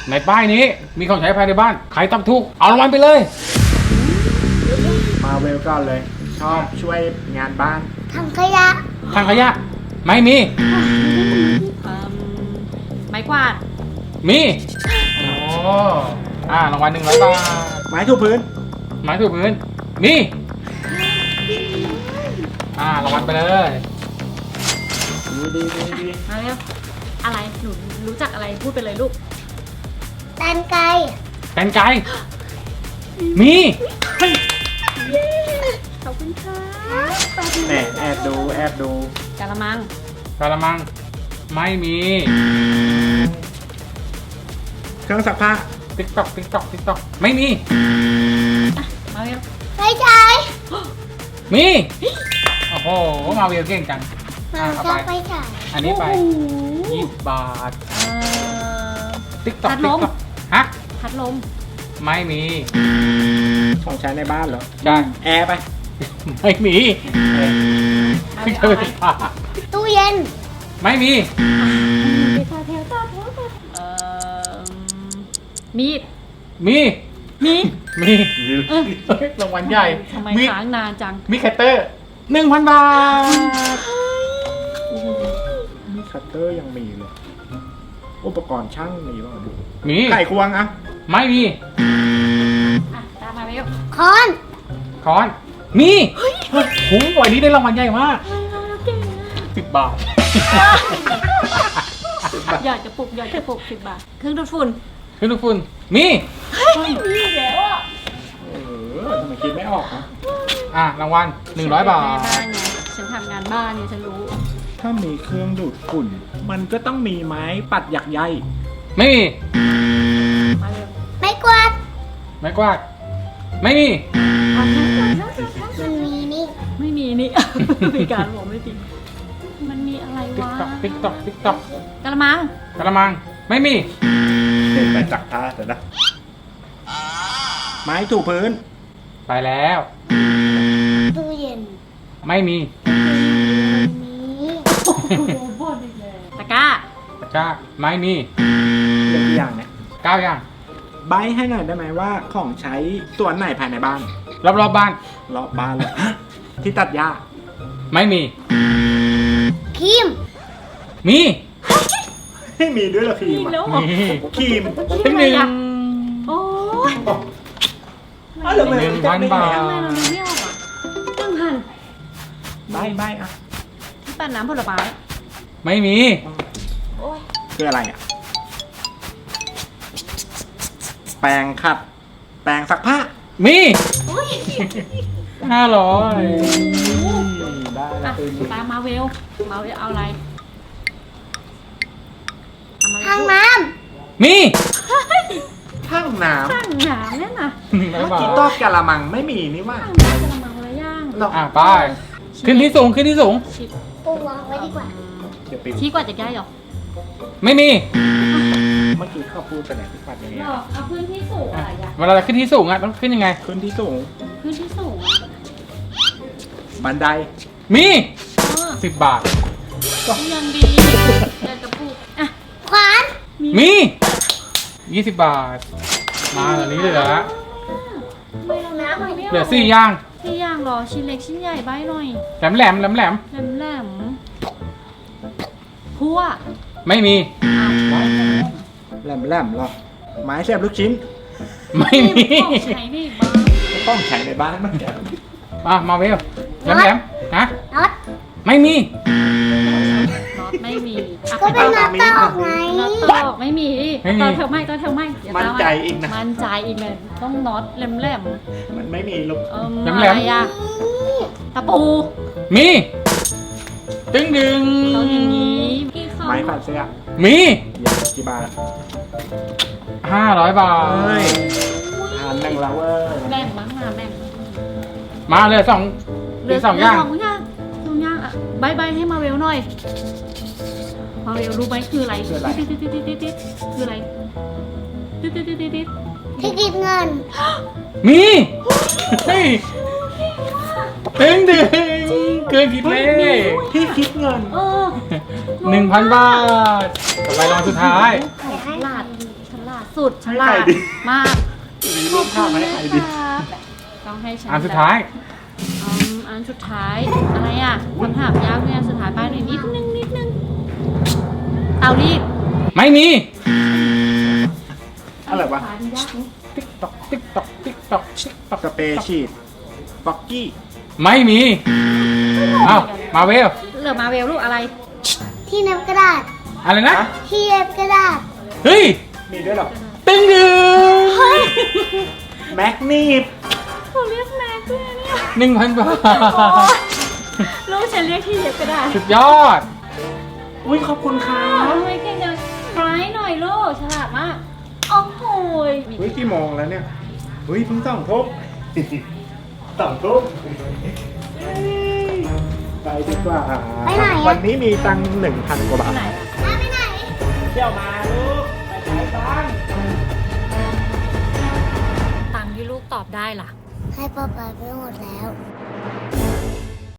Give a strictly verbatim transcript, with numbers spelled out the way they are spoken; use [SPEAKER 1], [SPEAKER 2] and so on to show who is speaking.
[SPEAKER 1] ในป้ายนี้มีของใช้ภายในบ้านใครตอบถูกเอารางวัลไปเลย
[SPEAKER 2] มาเวลก่อนเลย ชอบช่วยงานบ้าน
[SPEAKER 3] ถังขยะ
[SPEAKER 1] ถังขยะไม่มี
[SPEAKER 4] เอิ่มไม้กวาด
[SPEAKER 1] มีโอ้อ่ารางวัลหนึ่งร้อยบาท
[SPEAKER 2] ไม้ถูพื้น
[SPEAKER 1] ไม้ถูพื้นมีอ่ารางวัลไปเลย
[SPEAKER 2] ดีดีดีดี
[SPEAKER 4] มาเร็วอะไรหนูรู้จักอะไรพูดไปเลยลูก
[SPEAKER 3] แตนไก่
[SPEAKER 1] แกนไก่มี
[SPEAKER 4] ขอบคุณค่ะ
[SPEAKER 2] แหมแอบดูแอบดู
[SPEAKER 4] กะละมัง
[SPEAKER 1] กระมังไม่มี
[SPEAKER 2] เครื่องซักผ้า
[SPEAKER 1] ติ๊กตอกติ๊กตอกติ๊กตอกไม่มี
[SPEAKER 4] อ่ะมาเร็ว
[SPEAKER 3] ไฟฉาย
[SPEAKER 1] มีโอ้โหมาเวลเก่งจัง
[SPEAKER 3] มา
[SPEAKER 1] อ่ะเอา
[SPEAKER 3] จะ
[SPEAKER 1] ไป
[SPEAKER 3] ไฟฉาย
[SPEAKER 1] อันนี้ไป
[SPEAKER 4] โอ้โห
[SPEAKER 1] ยี่สิบบาท
[SPEAKER 4] เอ่อ
[SPEAKER 1] ติ๊กตอก
[SPEAKER 4] พัดล
[SPEAKER 1] ติ๊ก
[SPEAKER 4] ม
[SPEAKER 1] ตอกฮะ
[SPEAKER 4] พัดลม
[SPEAKER 1] ไม่มี
[SPEAKER 2] ของใช้ในบ้านเหรอ
[SPEAKER 1] ใช่
[SPEAKER 2] แอร์ไป
[SPEAKER 1] ไม่มี
[SPEAKER 4] เอา
[SPEAKER 1] ไม่
[SPEAKER 4] เอา
[SPEAKER 1] เคย
[SPEAKER 4] ไป
[SPEAKER 1] ผ่า
[SPEAKER 3] ตู้เย็น
[SPEAKER 1] ไม่มี
[SPEAKER 4] ไปทาแถวตาแถวตาเอ่อมีด
[SPEAKER 1] มี
[SPEAKER 4] มี
[SPEAKER 1] มี
[SPEAKER 4] เออ
[SPEAKER 1] เฮ้ยรางวัลใหญ่
[SPEAKER 4] ทำไม
[SPEAKER 1] มี
[SPEAKER 4] ค้างนานจัง
[SPEAKER 1] มีแคตเตอร์หนึ่งพันบาท
[SPEAKER 2] นี่คัตเตอร์ยังมีเลย อุปกรณ์ช่างมีบ้างดู
[SPEAKER 1] มี
[SPEAKER 2] ไข่ควงอะ
[SPEAKER 1] ไม่มี
[SPEAKER 4] อ่ะตามมาเร็ว
[SPEAKER 3] คอน
[SPEAKER 1] คอนมีโอ้โหวันนี้ได้รางวัลใหญ่มาก
[SPEAKER 4] เก่ง
[SPEAKER 1] สิบบาท
[SPEAKER 4] หยอดกระปุกหยอดกระปุกสิบบาทเครื่องดูดฝุ่น
[SPEAKER 1] ขึ้นทุกฝุ่นมี
[SPEAKER 4] มีแล้วอ่ะ
[SPEAKER 2] เออทำไมคิดไม่ออกนะ
[SPEAKER 1] อ่ะรางวัลหนึ่งร้อยบาท
[SPEAKER 4] แม่บ้านไงฉันทำงานบ้านเนี่ยฉันรู้
[SPEAKER 2] ถ้ามีเครื่องดูดฝุ่น มันก็ต้องมีไม้ปัดหยักใย
[SPEAKER 1] ไม่มี
[SPEAKER 4] มาเร็ว
[SPEAKER 3] ไม้กวาด
[SPEAKER 1] ไม้กวาดไม่มี
[SPEAKER 4] เอาทั้งหมดทั้งหมดทั้งหมด
[SPEAKER 3] มันมีนี่
[SPEAKER 4] ไม่มีนี่ มีการบอกไม่จริงมันมีอะไร
[SPEAKER 1] ติ๊ก
[SPEAKER 4] วะ
[SPEAKER 1] ตอกติ๊กตอกติ๊กตอก
[SPEAKER 4] กระมัง
[SPEAKER 1] กระมังไม่มี
[SPEAKER 2] เห็นไปจักท่าแต่นะไม้ถูพื้น
[SPEAKER 1] ไปแล้ว
[SPEAKER 3] ตู้เย็น
[SPEAKER 1] ไม่มี
[SPEAKER 3] มี
[SPEAKER 4] ตะกร้า
[SPEAKER 1] ตะกร้าไม่มี
[SPEAKER 2] เรื่องตัวอย่างเนี่ย
[SPEAKER 1] เก้าอย่าง
[SPEAKER 2] ใบให้หน่อยได้ไหมว่าของใช้ส่วนไหนภายในบ้าน
[SPEAKER 1] รอบรอบๆบ้าน
[SPEAKER 2] รอบบ้านเลย ที่ตัดหญ้า
[SPEAKER 1] ไม่มี
[SPEAKER 3] ครีม
[SPEAKER 1] มี
[SPEAKER 2] ไม่มีด้วยเหรอครี
[SPEAKER 4] มี
[SPEAKER 2] ม
[SPEAKER 4] แล้ว
[SPEAKER 2] อะ
[SPEAKER 4] เหรอ
[SPEAKER 1] มี
[SPEAKER 2] ครีม
[SPEAKER 1] ถึงหนึ่ง
[SPEAKER 4] โอ้ย
[SPEAKER 2] อ้าวแล้วทำไม
[SPEAKER 1] หนึ่งพันบาท
[SPEAKER 4] ทำไมเราดูไม่ออกอ่ะหนึ่งพัน
[SPEAKER 2] ใบใบอ่ะ
[SPEAKER 4] ที่ปั่นน้ำผลไม้
[SPEAKER 1] ไม่มี
[SPEAKER 4] โอ้ย
[SPEAKER 2] คืออะไรอ่ะ แปรงขัด แปรงซักผ้า
[SPEAKER 1] มี
[SPEAKER 4] โอ้ย
[SPEAKER 1] ห้าร้อย
[SPEAKER 2] ได้
[SPEAKER 4] อ่ะ
[SPEAKER 2] แล้วคือ
[SPEAKER 4] ตามมาเวลมาเวลเอาอะไรเอามา
[SPEAKER 3] ทาง
[SPEAKER 4] เวล
[SPEAKER 3] น้
[SPEAKER 1] มี
[SPEAKER 2] ทั้งน้
[SPEAKER 4] ตั้งน้ำเนี่ยนะ
[SPEAKER 1] หนึ่ง
[SPEAKER 2] ำ
[SPEAKER 1] ร้อย
[SPEAKER 2] เมื่อบ
[SPEAKER 1] า
[SPEAKER 2] กี้
[SPEAKER 1] ท
[SPEAKER 2] ตอบกะละมังไม่มีนี่ว่า
[SPEAKER 4] ตั้งน้ำกระมังละย่าง
[SPEAKER 2] หรอ
[SPEAKER 1] อ่ะไปขึ้นที่สูงขึ้นที่สูง
[SPEAKER 4] ชิด
[SPEAKER 3] ำปูวางไว้ดีกว่า
[SPEAKER 2] เดี๋ยวปิด
[SPEAKER 4] ชี้กว่าจะได้หรอ
[SPEAKER 1] ไม่มี
[SPEAKER 2] เมื่อกี้เขาพูดไปไหนที่ปัดยังไง
[SPEAKER 4] หรอเอาพื้นที่สูงอะไรอ่ะ
[SPEAKER 1] เวลาเราขึ้นที่สูงอ่ะต้องขึ้นยังไง
[SPEAKER 2] ขึ้นที่สูง
[SPEAKER 4] พื้นที่สูงอ่ะ
[SPEAKER 2] บันได
[SPEAKER 1] มี
[SPEAKER 4] เออ
[SPEAKER 1] สิบบาท
[SPEAKER 4] ยังดีเดินกระปุกอ่ะ
[SPEAKER 3] ขวาน
[SPEAKER 1] มียี่สิบบาท มาตอนนี้เหลือ
[SPEAKER 4] ไม่ลงน้ำไม่
[SPEAKER 1] เหลือสี่อย่าง
[SPEAKER 4] สี่อย่างหรอชิ้นเล็กชิ้นใหญ่ใบหน่อย
[SPEAKER 1] แหลมแหลมแหลมแหลม
[SPEAKER 4] แหลมแหลมพัว
[SPEAKER 1] ไม่มี
[SPEAKER 2] แหลมแหลมๆหรอ ไม้เสียบลูกชิ้น
[SPEAKER 1] ไม่มี
[SPEAKER 4] ของใช้นี่บ้าง
[SPEAKER 2] ต้องใช้ในบ้านมันจะ
[SPEAKER 1] มามาเวลแหลมแหลมฮะ
[SPEAKER 3] น็อต
[SPEAKER 1] ไม่มี
[SPEAKER 4] น็อตไม่มีอ่ะ
[SPEAKER 3] ก็เป็นน็อตตอกไง
[SPEAKER 4] น็อตตอกไม่มี
[SPEAKER 1] ไม่มี
[SPEAKER 4] ตอนเธอไม่ตอนเธอไม่เดี๋ยว
[SPEAKER 2] มั่น
[SPEAKER 4] ตาา
[SPEAKER 2] ใจอีกนะ
[SPEAKER 4] มั่นใจอีกเลยต้องน็อตแหลมแหลม
[SPEAKER 2] มันไม่มีลูก
[SPEAKER 4] ๆเอิ่ม
[SPEAKER 1] แหลมๆ
[SPEAKER 4] อะไรอ่ะตะปู
[SPEAKER 1] มีดึงดึง
[SPEAKER 4] ต้องอย่างนี้กี่คำ
[SPEAKER 2] ไม้ขัดเสื้อ
[SPEAKER 1] มี
[SPEAKER 2] เย็นกี่บาท
[SPEAKER 1] ห้าร้อยบาท
[SPEAKER 2] เฮ้ยทานหนึ่งแล้วเว้ย
[SPEAKER 4] แบ่งบ้างมาแบ่ง
[SPEAKER 1] มาเลยสองเหลือสองอย่าง
[SPEAKER 4] สองอย่างสองอย่างอ่ะบายบายให้มาเวลหน่อยมาเวลรู้ไหมคืออะไรติ๊ดติ๊ดติ๊ดติ๊ดติ๊ดคืออะไรติ๊ดติ๊ดติ๊ดติ๊ดติ๊ด
[SPEAKER 3] ที่กินเงิน
[SPEAKER 1] มีเฮ้ยดึงดึงเกินคิดเลข
[SPEAKER 2] ที่คิดเงิน
[SPEAKER 4] เออ
[SPEAKER 1] หนึ่งพันบาทต่อไปรางวัลสุดท้าย
[SPEAKER 4] ฉลาดฉลลาดสุดฉลา
[SPEAKER 2] ให้
[SPEAKER 4] ด
[SPEAKER 2] ใครดี
[SPEAKER 4] มาก
[SPEAKER 2] มีรูปภาพมาให้ใครดี
[SPEAKER 4] ครับต้องให้ฉัน
[SPEAKER 1] อันสุดท้าย
[SPEAKER 4] อืมอันสุดท้ายอะไรอ่ะคำถามยากเนี่ยสุดท้ายไปหน่อยนิดนึงนิดนึงเตารีด
[SPEAKER 1] ไม่มี
[SPEAKER 2] อะไรวะ
[SPEAKER 4] สุดท้ายมันยากไหม
[SPEAKER 1] ติ๊กตอกติ๊กตอกติ๊กตอกติ๊กตอก
[SPEAKER 2] สเปรย์ฉีดบ็อกกี้
[SPEAKER 1] ไม่มีเอ้ามาเวล
[SPEAKER 4] เหลือมาเวลลูกอะไร
[SPEAKER 3] ที่เน็บกระดาษ
[SPEAKER 1] อะไรนะ
[SPEAKER 3] ที่เน็บกระดาษ
[SPEAKER 1] เฮ้ย
[SPEAKER 2] มีด้วยเหรอ
[SPEAKER 1] ตึ้งดึง
[SPEAKER 2] แม็กนีบ
[SPEAKER 4] เขาเรียกแม็กด้วยเนี่ย
[SPEAKER 1] หนึ่งพันบาท
[SPEAKER 4] ลูกฉันเรียกที่เย็บก็ได้
[SPEAKER 1] สุดยอด
[SPEAKER 2] อุ้ยขอบคุณครั
[SPEAKER 4] ทำ
[SPEAKER 2] บ
[SPEAKER 4] ไมเก่งจังไบรท์หน่อยลูกฉลาดมากโอ้โหย
[SPEAKER 2] อุ้ยกี่โมงแล้วเนี่ยอุ้ยเพิ่งสองทุ่มสองทุ่มไปดีกว่า
[SPEAKER 3] ไปไหนอะ
[SPEAKER 2] วันนี้มีตังค์หนึ่งพันกว่าบาท
[SPEAKER 4] ไหน
[SPEAKER 3] ไปไหน
[SPEAKER 2] เที่ยวมาลูกไปไหนบ้าง
[SPEAKER 4] ตังค์ที่ลูกตอบได้ล่ะ
[SPEAKER 3] ให้ป้าไปไปหมดแล้ว